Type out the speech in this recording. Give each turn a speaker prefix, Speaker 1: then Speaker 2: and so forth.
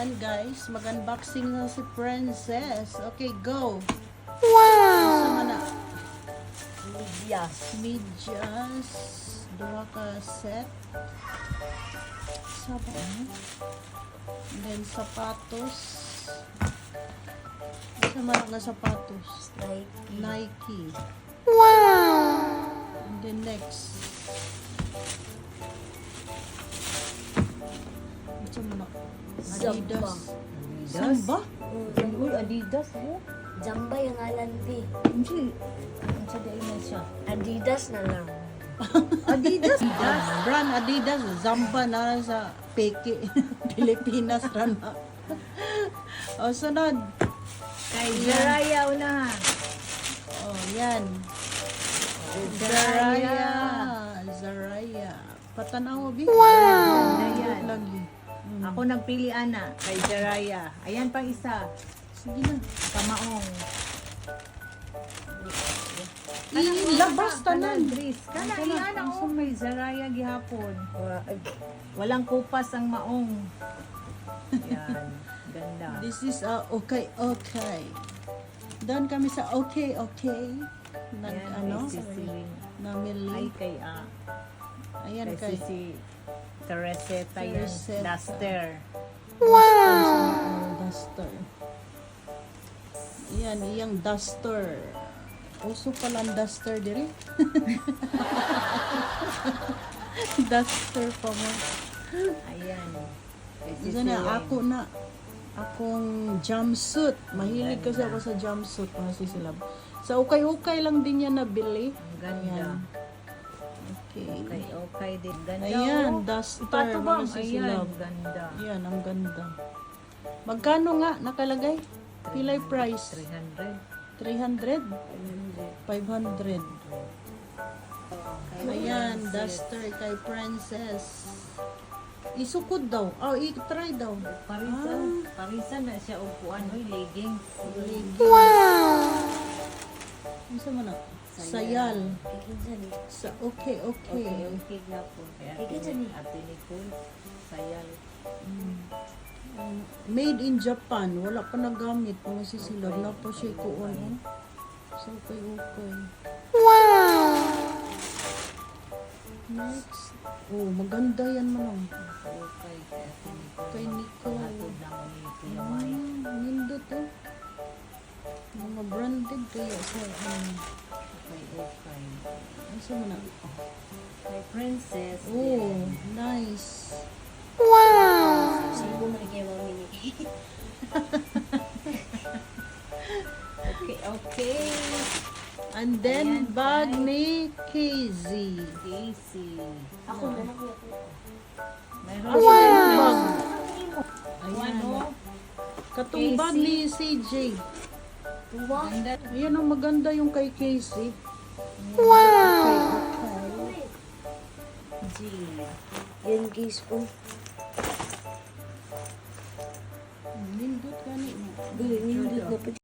Speaker 1: Ayan guys, mag-unboxing na si Princess. Okay, go!
Speaker 2: Wow!
Speaker 1: Sama na.
Speaker 2: Medyas.
Speaker 1: Medyas. Dua ka set. Saba ano? And then sapatos. Sama na nga sapatos.
Speaker 2: Nike.
Speaker 1: Nike.
Speaker 2: Wow!
Speaker 1: And then next. Ito mo na. Adidas. Samba?
Speaker 3: Uy, Adidas mo?
Speaker 2: Jamba yung alam di.
Speaker 3: Hindi. Ang saday na siya.
Speaker 2: Adidas na lang.
Speaker 3: Adidas?
Speaker 1: Brand Adidas. Zamba na sa peke. Pilipinas rana. O, sunod.
Speaker 3: Kay Jaraya una.
Speaker 1: Oh, yan. Zaraya. Patanaw, Bi.
Speaker 3: Wow!
Speaker 1: Yan. Lagi.
Speaker 3: Ako nagpili, Ana. Kay Jaraya. Ayan pang isa.
Speaker 1: Sige na.
Speaker 3: Pamaong.
Speaker 1: Ilabas tanan.
Speaker 3: Dris. Kana, iyan ako may Jaraya gihapon.
Speaker 2: Wag.
Speaker 3: Walang kupas ang maong. Yan. Ganda.
Speaker 1: This is okay. Doon kami sa okay. Nag,
Speaker 3: Ayan,
Speaker 1: ano?
Speaker 3: kay Sisi. Ay,
Speaker 1: Namili.
Speaker 3: kay
Speaker 1: Ayan
Speaker 3: kay
Speaker 1: kay.
Speaker 3: Sisi Tereseta yan.
Speaker 1: Tereseta.
Speaker 3: Duster.
Speaker 1: Duster. Ayan, iyang duster. Uso pala ang duster diri. Duster pa mo.
Speaker 3: Ayan. Kay
Speaker 1: Isa
Speaker 3: Sisi
Speaker 1: na,
Speaker 3: yan.
Speaker 1: ako na. Akong jumpsuit. Mahilig kasi ako sa jumpsuit, mga sisilab. Sa ukay-ukay lang din yan nabili.
Speaker 3: Ang ganda.
Speaker 1: Ayan. Okay.
Speaker 3: Okay din. Ganda.
Speaker 1: Ayan,
Speaker 3: oh.
Speaker 1: duster,
Speaker 3: Ipatubang.
Speaker 1: mga
Speaker 3: Ayan,
Speaker 1: sisilab.
Speaker 3: ganda.
Speaker 1: Ayan, ang ganda. Magkano nga nakalagay? Pilay price?
Speaker 3: 300.
Speaker 1: 300? 500. Ayan, duster kay Princess. Isukod daw. Oh, i-try daw.
Speaker 3: Parisan na siya upuan. Uy, leggings.
Speaker 1: Ano sa mana? Sayal.
Speaker 2: Ikinsa ni.
Speaker 1: Sa okay.
Speaker 3: Okay na po. Kaya
Speaker 2: Ikaw dyan eh.
Speaker 3: Ate Nicole. Sayal.
Speaker 1: Made in Japan. Wala pa nagamit. Mga sisilab na po siya kuon. So, okay. Next. Oh, maganda yan manong.
Speaker 3: Okay. Kaya Ate Nicole.
Speaker 1: Kay Nicole.
Speaker 3: Hatod lang ni Kuya Mike.
Speaker 1: Nindo to. Mga branded kaya sa
Speaker 3: Okay.
Speaker 1: ano sa mana?
Speaker 3: Kay Princess.
Speaker 1: Oh, nice.
Speaker 2: Sibo mo na kayo mami ni.
Speaker 3: Okay.
Speaker 1: And then,
Speaker 3: Ayan,
Speaker 1: bag
Speaker 3: guys.
Speaker 1: ni KZ.
Speaker 3: Daisy.
Speaker 2: Ako na lang ko.
Speaker 3: Meron
Speaker 1: Bag.
Speaker 3: Ayan.
Speaker 1: Ayan. Katong bag ni CJ.
Speaker 2: Tuwa.
Speaker 3: Ganda.
Speaker 1: Ayan ang maganda yung kay Casey. Okay.
Speaker 3: G.
Speaker 2: Yan guys po.
Speaker 1: Nindot ka ni.
Speaker 2: Nindot na pa.